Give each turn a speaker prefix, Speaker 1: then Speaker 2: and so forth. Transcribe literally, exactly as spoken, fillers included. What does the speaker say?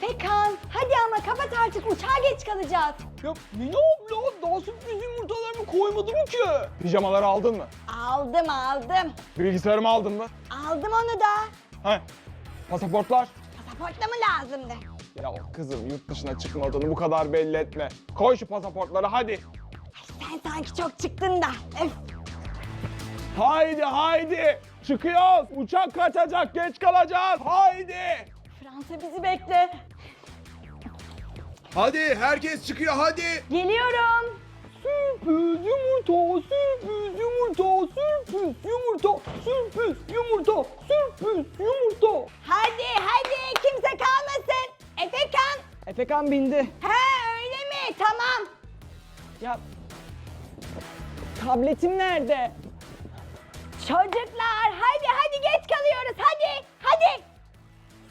Speaker 1: Efekan hadi ama kapat artık, uçağa geç kalacağız.
Speaker 2: Ya Mine abla daha sürpriz yumurtalarımı koymadım ki. Pijamaları aldın mı?
Speaker 1: Aldım aldım.
Speaker 2: Bilgisayarımı aldın mı?
Speaker 1: Aldım onu da.
Speaker 2: He. Pasaportlar?
Speaker 1: Pasaportla mı lazımdı?
Speaker 2: Ya kızım yurt dışına çıkmadığını bu kadar belli etme. Koy şu pasaportları hadi.
Speaker 1: Sen sanki çok çıktın da. Öf.
Speaker 2: Haydi haydi. Çıkıyoruz. Uçak kaçacak, geç kalacağız. Haydi.
Speaker 1: Fransa bizi bekle.
Speaker 3: Hadi herkes çıkıyor hadi.
Speaker 1: Geliyorum.
Speaker 2: Sürpriz yumurta, sürpriz yumurta, sürpriz yumurta, sürpriz yumurta, sürpriz yumurta.
Speaker 1: Hadi hadi kimse kalmasın. Efekan.
Speaker 2: Efekan bindi.
Speaker 1: He öyle mi? Tamam.
Speaker 2: Ya tabletim nerede?
Speaker 1: Çocuklar hadi.